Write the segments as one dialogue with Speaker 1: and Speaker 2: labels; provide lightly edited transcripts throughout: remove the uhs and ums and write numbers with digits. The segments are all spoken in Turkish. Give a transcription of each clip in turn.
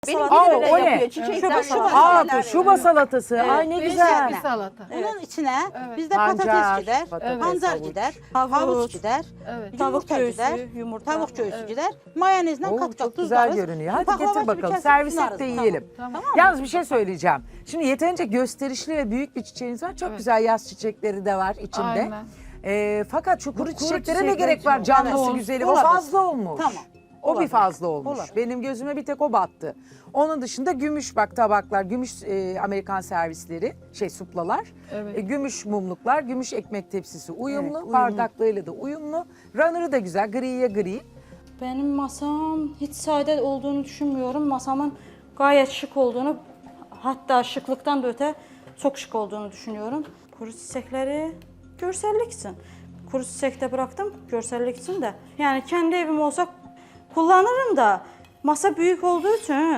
Speaker 1: Aa, o ne?
Speaker 2: yapıyor. Çiçekler,
Speaker 1: Şuba salatası.
Speaker 3: Evet,
Speaker 1: Ay ne
Speaker 3: değişik
Speaker 1: güzel.
Speaker 3: bir salata.
Speaker 2: Bunun içine bizde
Speaker 1: Pancar,
Speaker 2: patates gider,
Speaker 1: patates,
Speaker 2: pancar
Speaker 1: havuç.
Speaker 2: gider, havuç gider,
Speaker 3: Evet.
Speaker 2: yumurta gider, tavuk göğsü gider, mayonezle
Speaker 1: Oo,
Speaker 2: kat
Speaker 1: çok
Speaker 2: kat
Speaker 1: güzel
Speaker 2: tuzlarız.
Speaker 1: görünüyor. Hadi
Speaker 2: Baklava
Speaker 1: getir
Speaker 2: gibi
Speaker 1: bakalım.
Speaker 2: kesip
Speaker 1: Servis et
Speaker 2: sunarız.
Speaker 1: de
Speaker 2: Tamam.
Speaker 1: yiyelim.
Speaker 3: Tamam.
Speaker 1: Yalnız bir şey söyleyeceğim. Şimdi yeterince gösterişli ve büyük bir çiçeğiniz var. Çok
Speaker 3: Evet.
Speaker 1: güzel yaz çiçekleri de var içinde.
Speaker 3: Aynen.
Speaker 1: Fakat şu kuru çiçeklere ne
Speaker 3: çiçekler
Speaker 1: gerek
Speaker 3: için
Speaker 1: var?
Speaker 3: o.
Speaker 1: Canlısı
Speaker 3: Evet.
Speaker 1: güzeli. O
Speaker 2: Olabilir.
Speaker 1: fazla olmuş.
Speaker 2: Tamam.
Speaker 1: O bir
Speaker 2: Olabilir.
Speaker 1: fazla olmuş.
Speaker 2: Olabilir.
Speaker 1: Benim gözüme bir tek o battı. Onun dışında gümüş bak tabaklar, gümüş Amerikan servisleri, suplalar.
Speaker 3: Evet.
Speaker 1: Gümüş mumluklar, gümüş ekmek tepsisi uyumlu,
Speaker 2: Evet, uyumlu.
Speaker 1: bardaklığıyla da uyumlu. Runner'ı da güzel, griye gri.
Speaker 4: Benim masam hiç sade olduğunu düşünmüyorum. Masamın gayet şık olduğunu, hatta şıklıktan da öte çok şık olduğunu düşünüyorum. Kuru çiçekleri görsellik için. Kuru çiçekte bıraktım görsellik için de. Yani kendi evim olsa kullanırım da masa büyük olduğu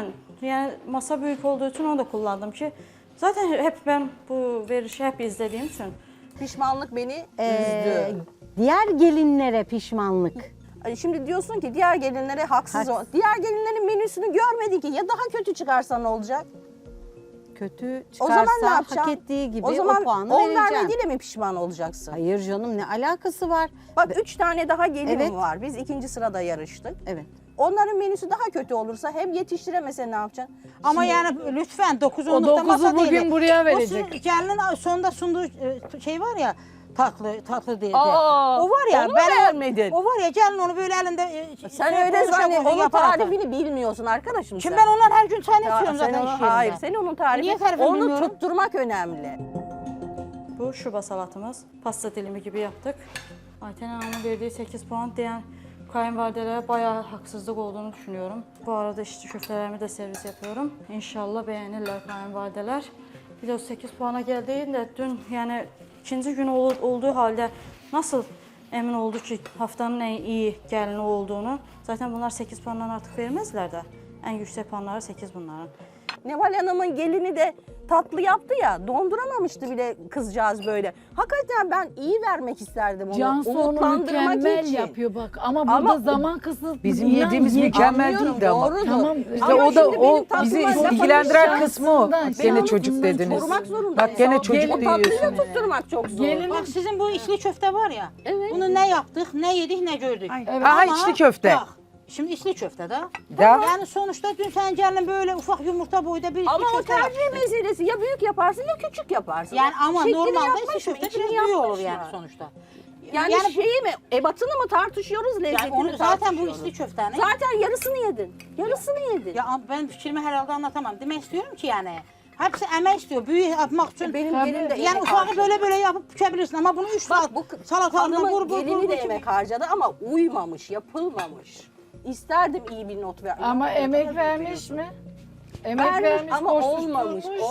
Speaker 4: için onu da kullandım ki zaten hep ben bu verişi hep izlediğim için.
Speaker 2: Pişmanlık beni üzdü.
Speaker 5: Diğer gelinlere pişmanlık.
Speaker 2: Şimdi diyorsun ki diğer gelinlere haksız ol. Diğer gelinlerin menüsünü görmedi ki. Ya daha kötü çıkarsa ne olacak?
Speaker 5: Kötü
Speaker 2: O zaman ne
Speaker 5: çıkarsa
Speaker 2: yapacaksın?
Speaker 5: hak ettiği gibi
Speaker 2: o zaman
Speaker 5: puanı
Speaker 2: 10
Speaker 5: vereceksin.
Speaker 2: vermediğiyle mi pişman olacaksın?
Speaker 5: Hayır canım, ne alakası var?
Speaker 2: Bak 3 tane daha gelinim
Speaker 5: Evet.
Speaker 2: var. Biz 2. sırada yarıştık.
Speaker 5: Evet.
Speaker 2: Onların menüsü daha kötü olursa hem yetiştiremese ne yapacaksın?
Speaker 6: Ama yani lütfen 9
Speaker 3: O 9'u
Speaker 6: masa değil.
Speaker 3: bugün buraya
Speaker 6: O
Speaker 3: verecek.
Speaker 6: sizin gelinin sonunda sunduğu şey var ya, tatlı diye.
Speaker 3: Aa,
Speaker 6: O var ya,
Speaker 2: onu mu beğenmedin?
Speaker 6: O var ya, gelin onu böyle elinde
Speaker 2: Sen öyle zannet. Onun tarifini bilmiyorsun arkadaşım
Speaker 6: Şimdi
Speaker 2: sen.
Speaker 6: ben ondan her gün tane
Speaker 2: Ya
Speaker 6: içiyorum
Speaker 2: sen
Speaker 6: zaten
Speaker 2: onu-
Speaker 6: iş yerinde.
Speaker 2: Hayır, sen onun tarifi.
Speaker 6: Niye tarifini
Speaker 2: Onu
Speaker 6: bilmiyorum?
Speaker 2: tutturmak önemli.
Speaker 4: Bu şuba salatamız. Pasta dilimi gibi yaptık. Ayten Hanım'ın verdiği 8 puan diyen kayınvalidelere bayağı haksızlık olduğunu düşünüyorum. Bu arada işte köftelerimi de servis yapıyorum. İnşallah beğenirler kayınvalideler. Bir de o 8 puana geldiğinde dün yani ikinci gün olduğu halde nasıl emin oldu ki haftanın en iyi gelini olduğunu. Zaten bunlar 8 puandan artık vermezler de. En yüksek puanları 8 bunların.
Speaker 2: Neval Hanım'ın gelini de tatlı yaptı ya, donduramamıştı bile kızcağız böyle. Hakikaten ben iyi vermek isterdim onu,
Speaker 3: Cansu onu
Speaker 2: umutlandırmak
Speaker 3: mükemmel
Speaker 2: için.
Speaker 3: yapıyor bak. Ama burada
Speaker 2: Ama
Speaker 3: zaman kısıtlı.
Speaker 1: Bizim
Speaker 3: İnan
Speaker 1: yediğimiz
Speaker 3: ye-
Speaker 1: mükemmel
Speaker 2: Anlıyorum,
Speaker 1: değildi ama.
Speaker 2: doğrudur.
Speaker 3: Tamam,
Speaker 1: İşte
Speaker 2: Ama
Speaker 1: o da
Speaker 2: şimdi
Speaker 1: o
Speaker 2: benim
Speaker 1: bizi
Speaker 2: tatlıma
Speaker 1: ilgilendiren
Speaker 3: yapamayacağım
Speaker 1: kısmı o.
Speaker 3: aslında.
Speaker 1: Bak
Speaker 3: Ben
Speaker 1: gene
Speaker 3: onu
Speaker 1: çocuk
Speaker 3: bundan
Speaker 1: dediniz.
Speaker 2: Korumak zorundayım.
Speaker 1: Bak gene çocuk
Speaker 2: O tatlıyı
Speaker 1: diyorsun.
Speaker 2: tutturmak çok zor.
Speaker 3: Gelin-
Speaker 6: Bak sizin bu içli köfte var ya, bunu ne yaptık, ne yedik, ne gördük.
Speaker 3: Evet.
Speaker 1: Aha, içli köfte.
Speaker 6: Bak, şimdi içli köfte de.
Speaker 1: Ya.
Speaker 6: Yani sonuçta dün sen gelin böyle ufak yumurta boyda bir içli
Speaker 2: Ama o
Speaker 6: köfte
Speaker 2: tercih
Speaker 6: yaptın.
Speaker 2: meselesi. Ya büyük yaparsın ya küçük yaparsın.
Speaker 6: Yani ama
Speaker 2: Şeklini
Speaker 6: normalde
Speaker 2: yapmış
Speaker 6: içli
Speaker 2: mı,
Speaker 6: köfte
Speaker 2: içini
Speaker 6: biraz büyük olur
Speaker 2: yapmış
Speaker 6: yani
Speaker 2: mı?
Speaker 6: sonuçta.
Speaker 2: Yani, şeyi mi, ebatını mı tartışıyoruz, lezzetini
Speaker 6: Yani onu zaten bu
Speaker 2: tartışıyoruz.
Speaker 6: içli köftenin.
Speaker 2: Zaten yarısını yedin. Yarısını yedin.
Speaker 6: Ya ben fikrimi herhalde anlatamam. Demek istiyorum ki yani hepsi emek istiyor. Büyük yapmak için.
Speaker 2: Benim gelin de
Speaker 6: yani
Speaker 2: emek
Speaker 6: ufağı
Speaker 2: harcadı.
Speaker 6: böyle yapıp bükebilirsin ama bunu 3 saat
Speaker 2: Bu
Speaker 6: salatalığında
Speaker 2: hanımın gelini de
Speaker 6: vur.
Speaker 2: emek harcadı ama uymamış, yapılmamış. İsterdim iyi bir not ver.
Speaker 3: Ama emek vermiş mi? Emek vermiş,
Speaker 2: ama
Speaker 3: koşmuş,
Speaker 2: olmamış,
Speaker 3: durmuş mu?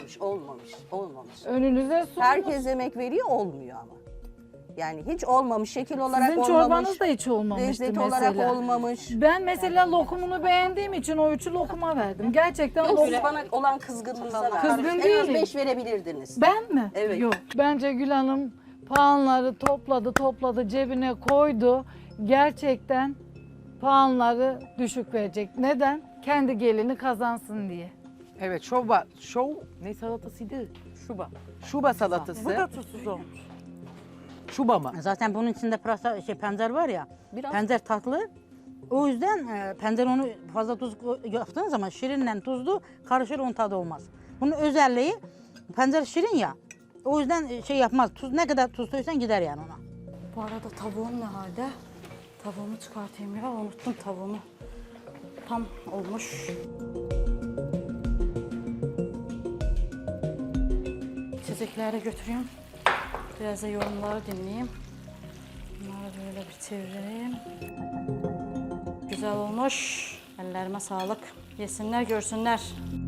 Speaker 2: olmamış.
Speaker 3: Önünüze sunmuş.
Speaker 2: Herkes emek veriyor, olmuyor ama. Yani hiç olmamış, şekil olarak
Speaker 3: Sizin
Speaker 2: olmamış.
Speaker 3: çorbanız da hiç olmamıştı
Speaker 2: lezzet
Speaker 3: mesela.
Speaker 2: olarak olmamış.
Speaker 3: Ben mesela lokumunu beğendiğim için o 3'ü lokuma verdim. Gerçekten
Speaker 2: Yok,
Speaker 3: lokum...
Speaker 2: siz bana olan kızgınlığınıza verdiniz.
Speaker 3: Kızgın
Speaker 2: En az
Speaker 3: değilim.
Speaker 2: 5 verebilirdiniz.
Speaker 3: Ben mi?
Speaker 2: Evet.
Speaker 3: Yok. Bence Gül Hanım puanları topladı, cebine koydu. Gerçekten puanları düşük verecek. Neden? Kendi gelini kazansın diye.
Speaker 1: Evet, ne salatasıydı? Şuba salatası.
Speaker 6: Bu da tuzsuz olmuş.
Speaker 1: Şuba mı?
Speaker 6: Zaten bunun içinde pırasa, pancar var ya.
Speaker 2: Biraz.
Speaker 6: Pancar tatlı. O yüzden pancar onu fazla tuz yaptığın zaman şirinle tuzlu karışır, onun tadı olmaz. Bunun özelliği pancar şirin ya. O yüzden şey yapmaz. Tuz ne kadar tuz koysan gider yani ona.
Speaker 4: Bu arada tavuğum ne halde? Tavuğumu çıkartayım ya, unuttum tavuğumu. Tam olmuş. İçecekleri götüreyim. Biraz da yorumları dinleyeyim. Bunları böyle bir çevireyim. Güzel olmuş. Ellerime sağlık. Yesinler, görsünler.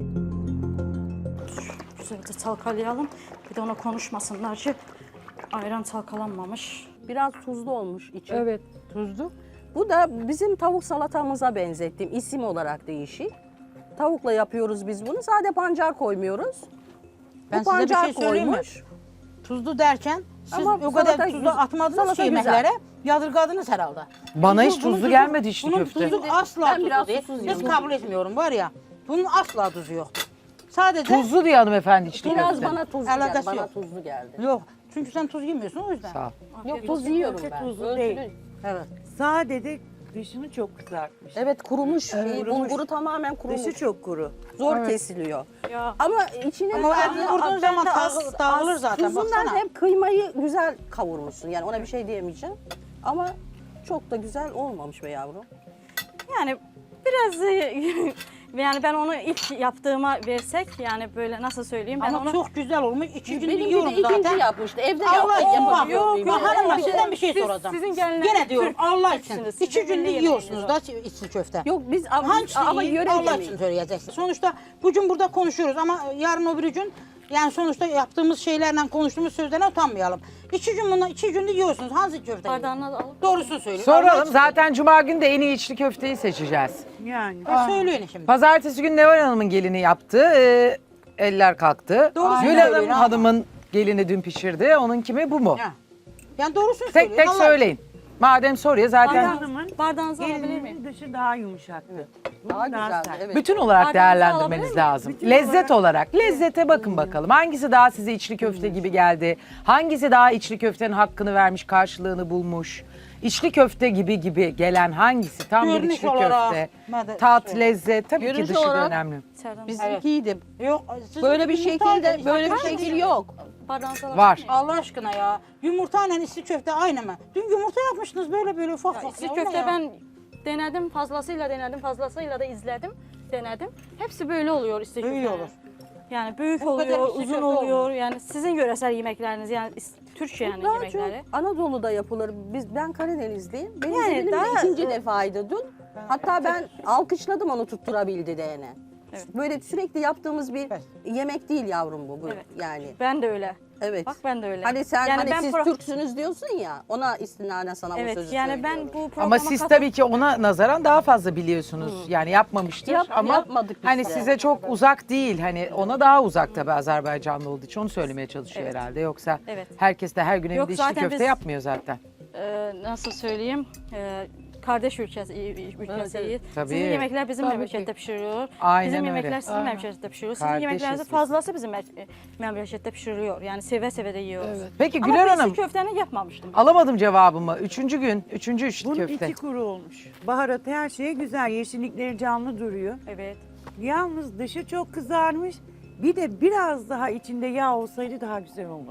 Speaker 4: Güzel de çalkalayalım. Bir de ona konuşmasınlar ki ayran çalkalanmamış.
Speaker 2: Biraz tuzlu olmuş içi.
Speaker 3: Evet.
Speaker 2: Tuzlu. Bu da bizim tavuk salatamıza benzettim. İsim olarak değişik. Tavukla yapıyoruz biz bunu. Sade pancar koymuyoruz.
Speaker 6: Ben
Speaker 2: Bu
Speaker 6: size bir
Speaker 2: pancar
Speaker 6: şey söyleyeyim mi?
Speaker 2: koymuş.
Speaker 6: Tuzlu derken siz
Speaker 2: Ama
Speaker 6: o kadar
Speaker 2: salata
Speaker 6: tuzlu
Speaker 2: güzel.
Speaker 6: atmadınız
Speaker 2: Salata
Speaker 6: ki
Speaker 2: güzel.
Speaker 6: yemeklere. Yadırgadınız herhalde.
Speaker 1: Bana hiç
Speaker 6: Bunun
Speaker 1: tuzlu gelmedi içli
Speaker 6: bunun
Speaker 1: köfte.
Speaker 6: tuzu asla
Speaker 2: Ben
Speaker 6: tuzlu
Speaker 2: biraz
Speaker 6: değil.
Speaker 2: tuzsuz
Speaker 6: Hiç
Speaker 2: yiyorum.
Speaker 6: kabul etmiyorum var ya. Bunun asla tuzu yoktu. Sadece
Speaker 1: Tuzlu diye hanımefendi içli
Speaker 2: Biraz
Speaker 1: köfte.
Speaker 2: bana tuzlu geldi.
Speaker 6: Alakası
Speaker 2: Bana
Speaker 6: yok.
Speaker 2: tuzlu geldi.
Speaker 6: yok. Çünkü sen tuz yemiyorsun o yüzden.
Speaker 1: Sağ ol.
Speaker 2: Yok tuz yiyorum ben.
Speaker 7: tuzlu
Speaker 2: Ölçülü.
Speaker 7: değil.
Speaker 6: Evet.
Speaker 7: Sadece dışını çok kızartmış.
Speaker 2: Evet kurumuş. Şey,
Speaker 7: kurumuş.
Speaker 2: bulguru tamamen kurumuş.
Speaker 7: Dışı çok kuru.
Speaker 2: Zor kesiliyor.
Speaker 4: Ya.
Speaker 2: Ama içine
Speaker 6: Ama etini vurduğun zaman dağılır zaten.
Speaker 2: tuzundan
Speaker 6: Baksana.
Speaker 2: hep kıymayı güzel kavurmuşsun. Yani ona bir şey diyemeyeceğim. Ama çok da güzel olmamış be yavrum.
Speaker 4: Yani biraz yani ben onu ilk yaptığıma versek yani böyle nasıl söyleyeyim ben
Speaker 6: Ama
Speaker 4: onu
Speaker 6: çok güzel olmuş. 2 gün
Speaker 2: Benim bir
Speaker 6: yiyorum
Speaker 2: de ikinci
Speaker 6: zaten.
Speaker 2: yapmıştı. Evde
Speaker 6: Allah
Speaker 2: yapamıyor
Speaker 6: için
Speaker 2: muyum?
Speaker 6: yok. Hanım
Speaker 2: Evet.
Speaker 6: sizden bir şey soracağım.
Speaker 4: sizin gelinler
Speaker 6: Gene diyorum
Speaker 4: Türk
Speaker 6: Allah için.
Speaker 4: Türksünüz.
Speaker 6: 2
Speaker 4: Sizin
Speaker 6: günde
Speaker 4: milli
Speaker 6: yiyorsunuz
Speaker 4: yemeğiniz
Speaker 6: da içli köfte.
Speaker 2: Yok biz ama
Speaker 6: Hangisini
Speaker 2: yöre
Speaker 6: Allah
Speaker 2: yemeği.
Speaker 6: için söyleyeceksin. Sonuçta bugün burada konuşuyoruz ama yarın öbür gün yani sonuçta yaptığımız şeylerle konuştuğumuz sözlerine utanmayalım. 2 gün bundan 2 günde yiyorsunuz. Hangi köfte?
Speaker 4: bardağına da alıp
Speaker 6: Doğrusunu söyleyin. Allah
Speaker 1: Soralım
Speaker 6: için
Speaker 1: zaten cuma günü de en iyi içli köfteyi seçeceğiz.
Speaker 7: Yani.
Speaker 6: söyleyin şimdi.
Speaker 1: Pazartesi günü Neval Hanım'ın gelini yaptı. Eller kalktı.
Speaker 6: Doğru
Speaker 1: Gül
Speaker 6: söylüyor
Speaker 1: Hanım
Speaker 6: ama.
Speaker 1: hanımın gelini dün pişirdi. Onun kimi bu mu?
Speaker 6: Ya. Yani doğrusunu
Speaker 1: Tek
Speaker 6: söyleyin.
Speaker 1: tek
Speaker 6: Allah
Speaker 1: söyleyin. Madem soruyor zaten
Speaker 7: Hanımın
Speaker 4: bardağınızı alabilir miyim?
Speaker 7: gelinin dışı daha yumuşaktı. Bu
Speaker 2: Daha güzeldi.
Speaker 7: sert.
Speaker 2: Evet.
Speaker 1: bütün olarak
Speaker 4: Ardınızı
Speaker 1: değerlendirmeniz
Speaker 4: alabilir
Speaker 1: lazım.
Speaker 7: Bütün
Speaker 1: Lezzet olarak. Lezzete bakın bakalım. Hangisi daha size içli köfte gibi geldi? Hangisi daha içli köftenin hakkını vermiş, karşılığını bulmuş? İçli köfte gibi gelen hangisi? Tam bir
Speaker 6: Görünüş
Speaker 1: içli
Speaker 6: olarak,
Speaker 1: köfte.
Speaker 6: ben de
Speaker 1: Tat,
Speaker 6: söyleyeyim.
Speaker 1: lezzet. Tabii
Speaker 2: Görünüş
Speaker 1: ki dışı da
Speaker 2: olarak-
Speaker 1: önemli.
Speaker 4: İçeriden
Speaker 2: Bizimkiydi.
Speaker 6: Yok. siz
Speaker 2: Böyle bir
Speaker 6: yumurtayla
Speaker 2: şekilde böyle bir
Speaker 6: işte-
Speaker 2: şekil yok.
Speaker 4: bardağınızı alabilir
Speaker 1: Var.
Speaker 4: miyim?
Speaker 6: Allah aşkına ya. Yumurtayla içli köfte aynı mı? Dün yumurta yapmıştınız böyle ufak
Speaker 4: Ya,
Speaker 6: ufak.
Speaker 4: içli
Speaker 6: Ya, o
Speaker 4: köfte
Speaker 6: ne ya?
Speaker 4: ben denedim fazlasıyla da izledim denedim. Hepsi böyle oluyor içli
Speaker 6: Böyle
Speaker 4: köfte.
Speaker 6: olur.
Speaker 4: Yani büyük
Speaker 6: Bu kadar
Speaker 4: oluyor,
Speaker 6: içli
Speaker 4: uzun
Speaker 6: köfte
Speaker 4: oluyor.
Speaker 6: olmaz.
Speaker 4: Yani sizin yöresel yemekleriniz yani Türk yani
Speaker 2: Daha
Speaker 4: yemekleri.
Speaker 2: çok Anadolu'da yapılır. Ben Karadenizliyim. Benim
Speaker 4: Yani
Speaker 2: gelinim de
Speaker 4: daha-
Speaker 2: ikinci defaydı dün. Hatta ben alkışladım onu tutturabildi diyene.
Speaker 4: Evet.
Speaker 2: Böyle sürekli yaptığımız bir
Speaker 6: Evet.
Speaker 2: yemek değil yavrum bu.
Speaker 4: Evet.
Speaker 2: Yani.
Speaker 4: Ben de öyle.
Speaker 2: Evet.
Speaker 4: Bak ben de öyle.
Speaker 2: Hani sen
Speaker 4: yani
Speaker 2: hani
Speaker 4: ben
Speaker 2: siz Türksünüz diyorsun ya ona istinaden sana bu
Speaker 4: Evet
Speaker 2: sözü
Speaker 4: yani ben
Speaker 2: söylüyorum.
Speaker 4: bu programa
Speaker 1: Ama siz tabii ki ona nazaran daha fazla biliyorsunuz. Yani yapmamıştır ama
Speaker 2: yapmadık biz
Speaker 1: hani
Speaker 2: de.
Speaker 1: size çok uzak değil. Hani ona daha uzak tabii Azerbaycanlı olduğu için onu söylemeye çalışıyor
Speaker 4: Evet.
Speaker 1: herhalde. Yoksa
Speaker 4: Evet.
Speaker 1: herkes de her gün
Speaker 4: Yok,
Speaker 1: evinde içli
Speaker 4: zaten
Speaker 1: köfte
Speaker 4: biz-
Speaker 1: yapmıyor zaten.
Speaker 4: nasıl söyleyeyim? Kardeş ülkesiyiz.
Speaker 1: Tabii.
Speaker 4: Sizin yemekler bizim
Speaker 3: Tabii
Speaker 4: memlekette
Speaker 3: ki.
Speaker 4: pişiriliyor.
Speaker 1: Aynen
Speaker 4: Bizim
Speaker 1: öyle.
Speaker 4: yemekler sizin memlekette pişiriliyor. Sizin
Speaker 1: Kardeşiz
Speaker 4: yemeklerinizin
Speaker 1: biz.
Speaker 4: fazlası bizim memlekette pişiriliyor. Yani seve seve de yiyoruz.
Speaker 3: Evet.
Speaker 1: Peki
Speaker 4: Ama
Speaker 1: Güler
Speaker 4: ben
Speaker 1: Hanım
Speaker 4: içli köfteni yapmamıştım.
Speaker 1: alamadım cevabımı. Üçüncü gün, üçüncü içli
Speaker 7: Bunun
Speaker 1: köfte.
Speaker 7: içi kuru olmuş. Baharatı her şeye güzel. Yeşillikleri canlı duruyor.
Speaker 4: Evet.
Speaker 7: Yalnız dışı çok kızarmış. Bir de biraz daha içinde yağ olsaydı daha güzel olurdu.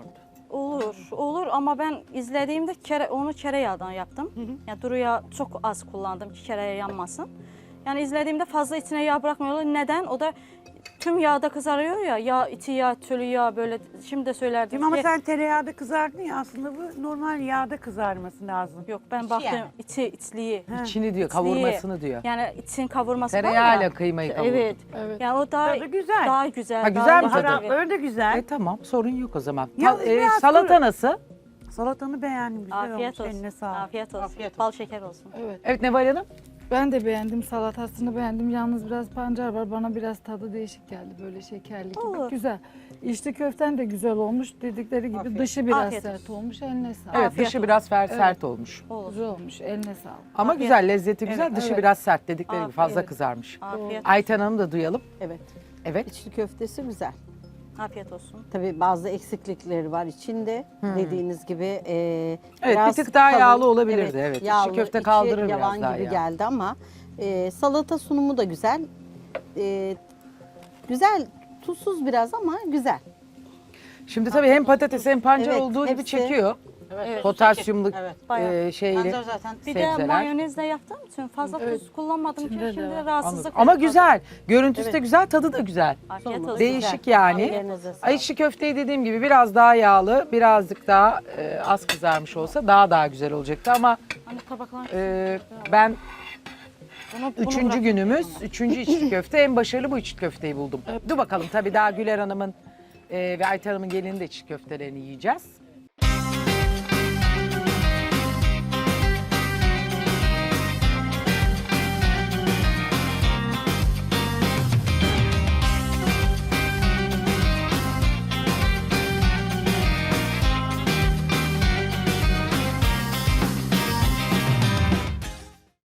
Speaker 4: Olur ama ben izlediğimde onu tereyağdan yaptım. Yani duru yağ çok az kullandım ki tereyağı yanmasın. Yani izlediğimde fazla içine yağ bırakmıyorlar. Neden? O da tüm yağda kızarıyor ya. Yağ, içi yağ, tölü yağ böyle. Şimdi de söylerdim
Speaker 7: Değil mi? Ama
Speaker 4: ki.
Speaker 7: sen tereyağda kızardın ya aslında bu normal yağda kızarması lazım.
Speaker 4: Yok ben baktım
Speaker 6: yani.
Speaker 4: içliği.
Speaker 1: İçini diyor, kavurmasını diyor.
Speaker 4: Yani için kavurması var
Speaker 1: Tereyağıyla
Speaker 4: ya.
Speaker 1: kıymayı kavurdu.
Speaker 4: Evet.
Speaker 3: Evet.
Speaker 4: Yani o daha
Speaker 7: Tadı güzel.
Speaker 4: Daha güzel.
Speaker 1: Ha, güzel
Speaker 4: daha
Speaker 1: mi tadı?
Speaker 7: Baharatları da güzel.
Speaker 1: Tamam sorun yok o zaman.
Speaker 7: Yalnız biraz
Speaker 1: Salata
Speaker 7: kuru.
Speaker 1: nasıl?
Speaker 7: Salatanı beğendim. Güzel
Speaker 4: Afiyet
Speaker 7: olmuş. Eline
Speaker 4: olsun.
Speaker 7: sağlık.
Speaker 4: Afiyet olsun.
Speaker 6: Afiyet olsun.
Speaker 4: Bal şeker olsun.
Speaker 3: Evet.
Speaker 1: Evet Neval Hanım.
Speaker 3: Ben de beğendim salatasını beğendim. Yalnız biraz pancar var. Bana biraz tadı değişik geldi. Böyle şekerli gibi.
Speaker 4: Olur.
Speaker 3: Güzel. İçli köften de güzel olmuş. Dedikleri gibi dışı biraz
Speaker 4: Afiyet
Speaker 3: sert
Speaker 4: olsun.
Speaker 3: olmuş. Eline sağlık.
Speaker 1: Evet
Speaker 4: Afiyet
Speaker 1: dışı
Speaker 4: olsun.
Speaker 1: biraz sert olmuş.
Speaker 4: Olur.
Speaker 3: Güzel olmuş. Eline sağlık.
Speaker 1: Ama
Speaker 4: Afiyet.
Speaker 1: güzel, lezzeti güzel.
Speaker 3: Evet,
Speaker 1: Dışı
Speaker 3: evet.
Speaker 1: biraz sert dedikleri gibi
Speaker 4: Afiyet.
Speaker 1: fazla
Speaker 4: Evet.
Speaker 1: kızarmış.
Speaker 4: Afiyet,
Speaker 1: Ayten Hanım da duyalım.
Speaker 5: Evet.
Speaker 1: Evet.
Speaker 5: İçli köftesi güzel.
Speaker 4: afiyet olsun.
Speaker 5: Tabii bazı eksiklikleri var içinde. Dediğiniz gibi
Speaker 1: Evet,
Speaker 5: biraz
Speaker 1: bir tık daha yağlı olabilirdi, evet. İçli
Speaker 5: Yağlı,
Speaker 1: köfte
Speaker 5: içi
Speaker 1: kaldırır
Speaker 5: yavan
Speaker 1: biraz daha
Speaker 5: gibi
Speaker 1: yağ.
Speaker 5: geldi ama salata sunumu da güzel. Güzel, tuzsuz biraz ama güzel.
Speaker 1: Şimdi tabii hem patates hem pancar
Speaker 5: Evet,
Speaker 1: olduğu gibi
Speaker 5: hepsi-
Speaker 1: çekiyor.
Speaker 6: Evet.
Speaker 1: Potasyumlu
Speaker 6: Evet.
Speaker 4: Bayağı.
Speaker 1: şeyli.
Speaker 6: Pancar zaten
Speaker 4: Bir de
Speaker 1: Sebzeler.
Speaker 4: mayonezle yaptığım için fazla tuz kullanmadım ki
Speaker 3: İçinde de
Speaker 4: şimdi
Speaker 3: var.
Speaker 4: rahatsızlık
Speaker 1: Anladım. Ama
Speaker 4: verir.
Speaker 1: güzel. Görüntüsü de güzel, tadı da güzel.
Speaker 4: Afiyet olsun.
Speaker 1: Değişik yani.
Speaker 5: Ellerinize sağlık.
Speaker 1: Ay içli köfteyi dediğim gibi biraz daha yağlı, birazcık daha az kızarmış olsa daha güzel olacaktı ama
Speaker 4: Hani tabaklar.
Speaker 1: ben
Speaker 4: Bunu
Speaker 1: üçüncü
Speaker 4: bırak-
Speaker 1: günümüz, üçüncü içli köfte en başarılı bu içli köfteyi buldum. Dur bakalım tabii daha Güler Hanım'ın ve Ayten Hanım'ın gelinin de içli köftelerini yiyeceğiz.